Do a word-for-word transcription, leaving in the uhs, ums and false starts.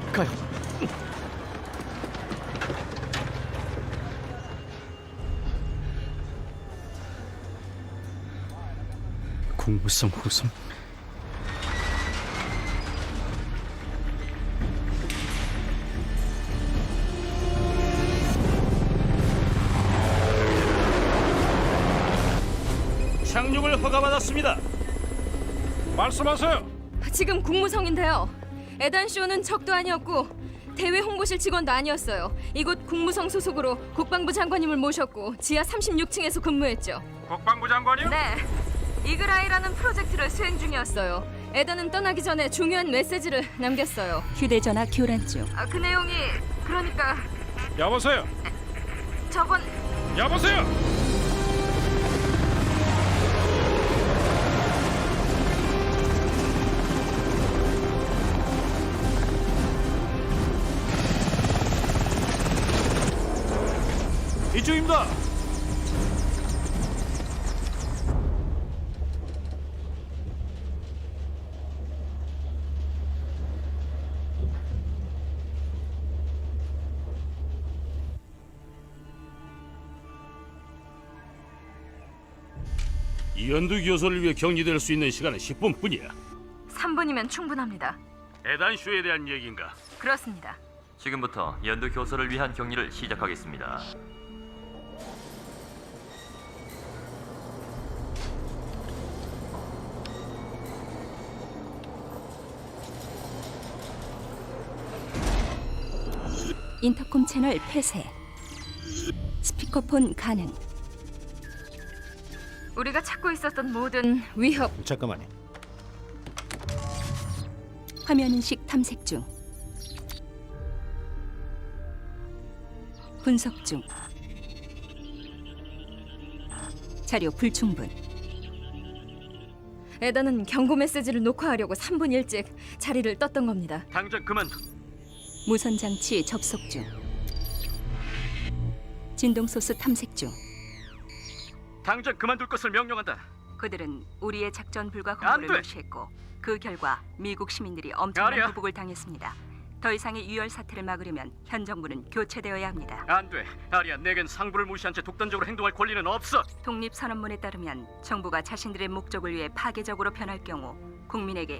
가요. 공무성 후손. 착륙을 허가받았습니다. 말씀하세요. 지금 국무성인데요. 에단쇼는 적도 아니었고 대외 홍보실 직원도 아니었어요. 이곳 국무성 소속으로 국방부 장관님을 모셨고 지하 삼십육 층에서 근무했죠. 국방부 장관이요? 네. 이글아이라는 프로젝트를 수행 중이었어요. 에단은 떠나기 전에 중요한 메시지를 남겼어요. 휴대전화 교란 중. 아, 그 내용이 그러니까 여보세요. 저번 여보세요. 이쪽입니다. 이현두 교수를 위해 격리될 수 있는 시간은 십 분뿐이야. 삼 분이면 충분합니다. 에단쇼에 대한 얘기인가? 그렇습니다. 지금부터 연두 교수를 위한 격리를 시작하겠습니다. 인터콤 채널 폐쇄. 스피커폰 가능. 우리가 찾고 있었던 모든 위협 잠깐만요. 화면 인식 탐색 중. 분석 중. 자료 불충분. 에단은 경고 메시지를 녹화하려고 삼 분 일찍 자리를 떴던 겁니다. 당장 그만둬. 무선 장치 접속 중. 진동 소스 탐색 중. 당장 그만둘 것을 명령한다. 그들은 우리의 작전 불가 안 공고를 돼! 무시했고 그 결과 미국 시민들이 엄청난 아니야. 보복을 당했습니다. 더 이상의 유혈 사태를 막으려면 현 정부는 교체되어야 합니다. 안 돼. 아리야, 내겐 상부를 무시한 채 독단적으로 행동할 권리는 없어. 독립선언문에 따르면 정부가 자신들의 목적을 위해 파괴적으로 변할 경우 국민에게